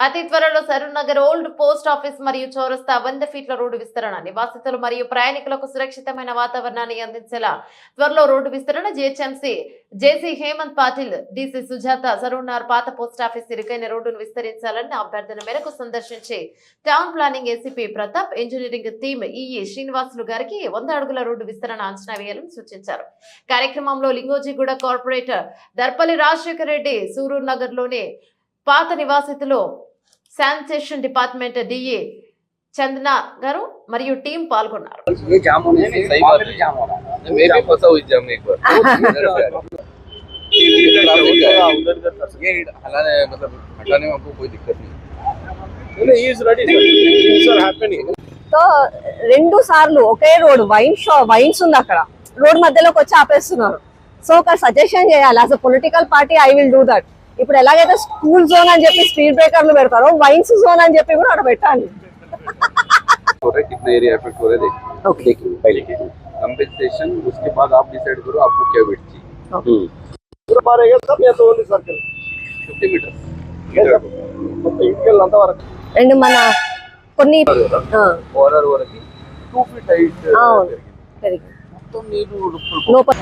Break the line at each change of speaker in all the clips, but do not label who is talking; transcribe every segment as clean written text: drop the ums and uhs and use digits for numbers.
అతి త్వరలో Saroor Nagar old post office మరియు చౌరస్తా 100 ఫీట్ల రోడ్డు విస్తరణ నివాసితులు మరియు ప్రయాణికులకు సురక్షితమైన వాతావరణాన్ని అందించేలా త్వరలో రోడ్డు విస్తరణ జేసీ హేమంత్ పాటిల్ డీసీ సుజాత సరూర్ నగర్ పాత పోస్ట్ ఆఫీస్ ఇరుకైన రోడ్డును విస్తరించాలని అభ్యర్థన మేరకు సందర్శించి town planning ACP Pratap engineering team EE Srinivasulu గారికి 100 అడుగుల రోడ్డు విస్తరణ అంచనా వేయాలని సూచించారు. కార్యక్రమంలో లింగోజిగూడ కార్పొరేటర్ దర్పల్లి రాజశేఖర్ రెడ్డి సరూర్ నగర్ లోని పాత నివాసితులు శానిటేషన్ డిపార్ట్మెంట్ డిఏ చందనా గారు మరియు టీం పాల్గొన్నారు.
సో 2 సార్లు ఒకే రోడ్ వైన్స్ ఉంది అక్కడ రోడ్ మధ్యలోకి వచ్చి ఆపేస్తున్నారు. సో ఒక సజెషన్ చేయాలి as a political party I will do that. ఇప్పుడు ఎలాగైతే స్కూల్ జోన్ అని చెప్పి స్పీడ్ బ్రేకర్లు పెడతారో వైన్స్ జోన్ అని చెప్పి కూడా అక్కడ పెట్టాలి.
कितना एरिया इफेक्ट हो रहा है
ओके
पहले कंपनसेशन उसके बाद आप डिसाइड करो आपको क्या वेट चाहिए.
पूरा मारेगा सब या तो ओनली सर्कल
50 मीटर
మొత్తం ఇంటికి అంత వరకు
అండ్ మన కొన్ని
కార్నర్ వరకు 2 ఫీట్ హైట్ మొత్తం నీరు
లోపల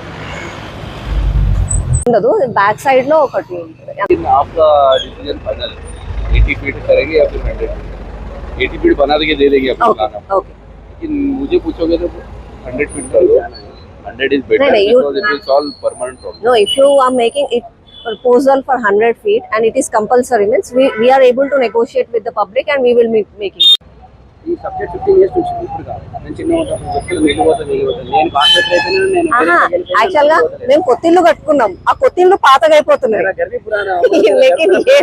ఉండదు. బ్యాక్ సైడ్ లో ఒకటి ఉంటుంది.
आपका डिसीजन फाइनल 80 फीट करेंगे या फिर 100 फीट. 80 फीट बना के दे देंगे आपको प्लान.
ओके
लेकिन मुझे पूछोगे तो 100 फीट कर दो. 100 is better because it will solve permanent problem.
No, if you are making it proposal for 100 feet and it is compulsory means we are able to negotiate with the public and we will making
ఈ subject 15 years నుంచి ఇప్పుడు కాదు నేను చిన్న ఉంటాను నేను concept అయితే నేను
యాక్చువల్ గా మేము కొత్తిల్లు కట్టుకున్నాం. ఆ కొత్తిల్లు పాతగా అయిపోతున్నాయి.